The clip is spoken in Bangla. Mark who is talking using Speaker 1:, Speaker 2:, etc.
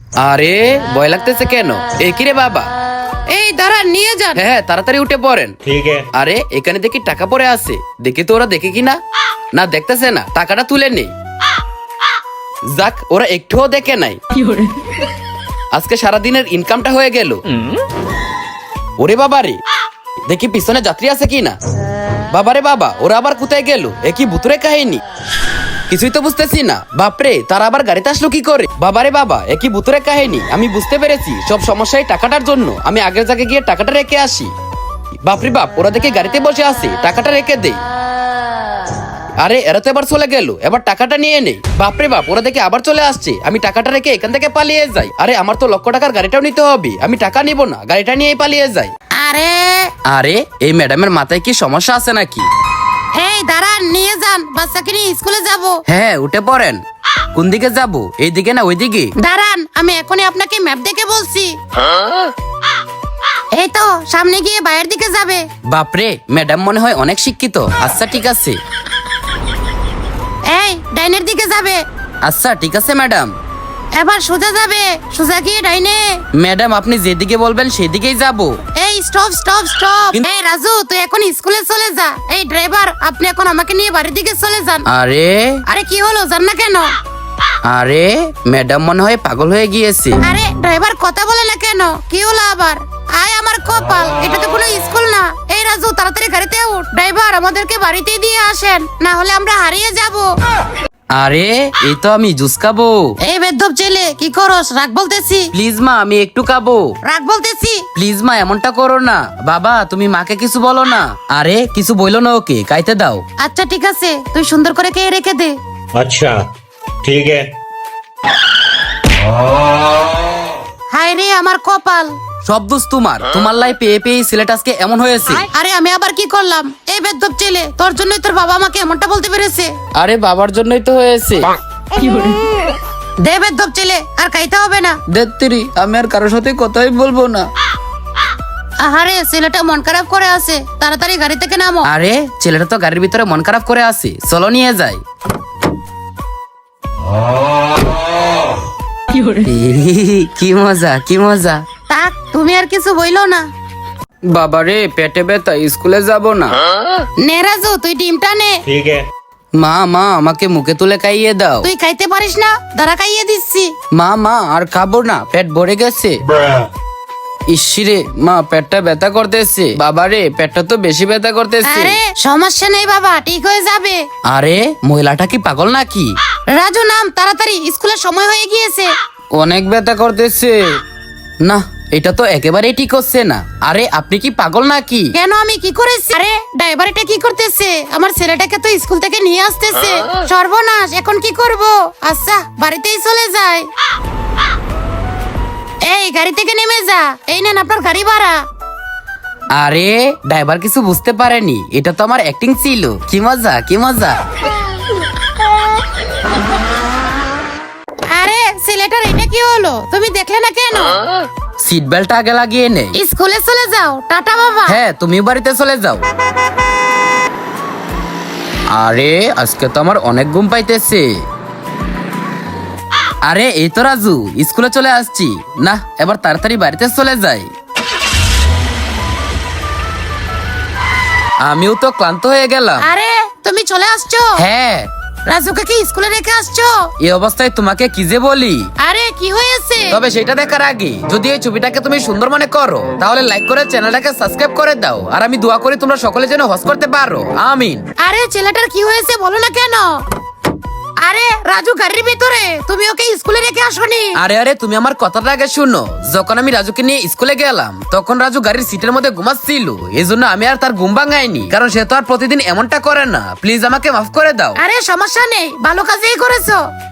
Speaker 1: আরে ভয় লাগতেছে কেন? এই কি রে বাবা?
Speaker 2: এই দাঁড়ান, নিয়ে যান।
Speaker 1: হ্যাঁ তাড়াতাড়ি উঠে পড়েন।
Speaker 3: ठीक है।
Speaker 1: আরে এখানে দেখি টাকা পড়ে আছে, দেখি তো ওরা দেখে কিনা। না দেখতেছে না, টাকাটা তুলে নেই। যাক, ওরা একটুও দেখে নাই। আজকে সারাদিনের ইনকামটা হয়ে গেল। ওরে বাবারে, দেখি পিছনে যাত্রী আছে কিনা। বাবারে বাবা, ওরা আবার কোথায় গেল? একই ভুতুরে কাহিনী, কিছুই তো বুঝতেছি না। বাপরে, তারা আবার গাড়িতে আসলো কি করে? বাবারে বাবা, একই ভুতুরে কাহিনী। আমি বুঝতে পেরেছি সব সমস্যাই টাকাটার জন্য। আমি আগের জায়গায় গিয়ে টাকাটা রেখে আসি। বাপরে বাপ, ওরা দেখে গাড়িতে বসে আছে, টাকাটা রেখে দেই। আরে এরা তো এবার চলে গেল, এবার টাকাটা নিয়ে নেই। বাপরে বাপ, ওরা দেখে আবার চলে আসছে। আমি টাকাটা রেখে এখান থেকে পালিয়ে যাই। আরে আমার তো লক্ষ টাকার গাড়িটাও নিতে হবে, আমি টাকা নিব না, গাড়িটা নিয়েই পালিয়ে যাই।
Speaker 2: আরে
Speaker 1: আরে এই ম্যাডামের মাথায় কি সমস্যা আছে নাকি?
Speaker 2: এই দাঁড়ান, নিয়ে যান, বাচ্চাকে নিয়ে স্কুলে যাব।
Speaker 1: হ্যাঁ উঠে পড়েন। কোন দিকে যাব? এই দিকে না ওই দিকে?
Speaker 2: দাঁড়ান, আমি এখনই আপনাকে ম্যাপ দেখে বলছি। এই তো সামনে গিয়ে বাইরের দিকে যাবে।
Speaker 1: বাপরে, ম্যাডাম মনে হয় অনেক শিক্ষিত। আচ্ছা ঠিক আছে।
Speaker 2: এই ডাইনের দিকে যাবে।
Speaker 1: আচ্ছা ঠিক আছে ম্যাডাম।
Speaker 2: এবার সোজা যাবে, সোজা গিয়ে ডাইনে।
Speaker 1: ম্যাডাম আপনি যেদিকে বলবেন সেদিকেই যাব।
Speaker 2: এই স্টপ স্টপ স্টপ।
Speaker 1: কিন্তু-
Speaker 2: এই রাজু, তুই এখন স্কুলে চলে যা। এই ড্রাইভার, আপনি এখন আমাকে নিয়ে বাড়ির দিকে চলে যান।
Speaker 1: আরে
Speaker 2: আরে কি হলো, যান না কেন?
Speaker 1: আরে ম্যাডাম মনে হয় পাগল হয়ে গিয়েছে।
Speaker 2: আরে ড্রাইভার কথা বলে না কেন? কি হলো আবার? আয় আমার কপাল, এটা তো কোনো স্কুল না। এই রাজু, তাড়াতাড়ি গাড়িতে উঠ। ড্রাইভার, আমাদেরকে বাড়িতে দিয়ে আসেন, না হলে আমরা হারিয়ে যাব।
Speaker 1: আরে এই তো আমি জুস খাবো।
Speaker 2: এই বেদ্যপ ছেলে, কি করস? রাগ বলতেছি,
Speaker 1: প্লিজ মা, আমি একটু খাবো।
Speaker 2: রাগ বলতেছি।
Speaker 1: প্লিজ মা, এমনটা করো না। বাবা তুমি মাকে কিছু বলো না। আরে কিছু বইলো না, ওকে খাইতে দাও।
Speaker 2: আচ্ছা ঠিক আছে, তুই সুন্দর করে কে রেখে দে।
Speaker 3: अच्छा ठीक है।
Speaker 2: হায় রে আমার কপাল।
Speaker 1: সব দোষ তোমার। তোমার লাই পেয়ে পেয়ে সিলেট আজকে এমন হয়েছে।
Speaker 2: আরে আমি আবার কি করলাম? এই বেদ্যপ ছেলে, তোর জন্যই তোর বাবা আমাকে এমনটা বলতে পেরেছে।
Speaker 1: আরে বাবার জন্যই তো হয়েছে।
Speaker 2: দে বেদ্যপ ছেলে, আর খাইতে হবে না।
Speaker 1: দেত্তিরি, আমি আর কারোর সাথে কথাই বলবো না।
Speaker 2: আহারে ছেলেটা মন খারাপ করে আছে, তাড়াতাড়ি গাড়ি থেকে নামো।
Speaker 1: আরে ছেলেটা তো গাড়ির ভিতরে মন খারাপ করে আছে, চলো নিয়ে যাই। কি মজা, কি মজা।
Speaker 2: তাক, তুমি আর কিছু বইলো না।
Speaker 1: বাবারে পেটে ব্যথা, স্কুলে যাব না।
Speaker 2: নে রাজু, তুই ডিমটা নে।
Speaker 3: ठीक है।
Speaker 1: মা মা, আমাকে মুখে তুলে খাইয়ে দাও।
Speaker 2: তুই খাইতে পারিস না? দাঁড়া, খাইয়ে দিচ্ছি।
Speaker 1: মা মা, আর খাবো না, পেট ভরে গেছে।
Speaker 3: Bruh।
Speaker 1: ইসিরে মা, পেটটা ব্যথা করতেছে। বাবারে পেটটা তো বেশি ব্যথা করতেছে।
Speaker 2: আরে সমস্যা নেই বাবা, ঠিক হয়ে যাবে।
Speaker 1: আরে মহিলাটা কি পাগল নাকি?
Speaker 2: রাজু নাম, তাড়াতাড়ি, স্কুলের সময় হয়ে গিয়েছে।
Speaker 1: অনেক ব্যথা করতেছে। না, এটা তো একেবারেই ঠিক হচ্ছে না। আরে আপনি কি পাগল নাকি?
Speaker 2: কেন, আমি কি করেছি? আরে ড্রাইভার এটা কি করতেছে? আমার ছেলেটাকে তো স্কুল থেকে নিয়ে আসতেছে। সর্বনাশ, এখন কি করব? আচ্ছা বাড়িতেই চলে যায়। এই গাড়ি থেকে নেমে যা। এই নেন আপনার গাড়ি ভাড়া।
Speaker 1: আরে ড্রাইভার কিছু বুঝতে পারেনি, এটা তো আমার অ্যাক্টিং ছিল। কি মজা, কি মজা।
Speaker 2: আরে ছেলেটার এটা কি হলো? তুমি দেখলে না কেন?
Speaker 1: সিট বেল্ট আগে লাগিয়ে নে।
Speaker 2: স্কুলে চলে যাও, টাটা বাবা।
Speaker 1: হ্যাঁ তুমিও বাড়িতে চলে যাও। আরে আজকে তো আমার অনেক ঘুম পাইতেছে। আরে এই তো রাজু, স্কুলে চলে আসছি। না, এবার তাড়াতাড়ি বাড়িতে চলে যাই। আমিও তো ক্লান্ত হয়ে গেলাম।
Speaker 2: আরে তুমি চলে আসছো?
Speaker 1: হ্যাঁ,
Speaker 2: রাজুকে কি স্কুলে রেখে আসছো?
Speaker 1: এই অবস্থায় তোমাকে কি যে বলি।
Speaker 2: আরে কি হয়েছে?
Speaker 1: তবে সেটা দেখার আগে যদি এই ছবিটাকে তুমি সুন্দর মনে করো, তাহলে লাইক করে চ্যানেলটাকে সাবস্ক্রাইব করে দাও। আর আমি দোয়া করি তোমরা সকলে যেন হজ করতে পারো, আমিন।
Speaker 2: আরে ছেলেটার কি হয়েছে বলো না কেন? আরে রাজু গাড়ির ভিতরে, তুমি ওকে স্কুলে রেখে আসোনি?
Speaker 1: আরে আরে, তুমি আমার কথাটা আগে শুনো। যখন আমি রাজুকে নিয়ে স্কুলে গেলাম, তখন রাজু গাড়ির সিটের মধ্যে ঘুমাচ্ছিল। এই জন্য আমি আর তার ঘুম ভাঙাইনি, কারণ সে তো আর প্রতিদিন এমনটা করে না। প্লিজ আমাকে মাফ করে দাও।
Speaker 2: আরে সমস্যা নেই, ভালো কাজেই করেছো।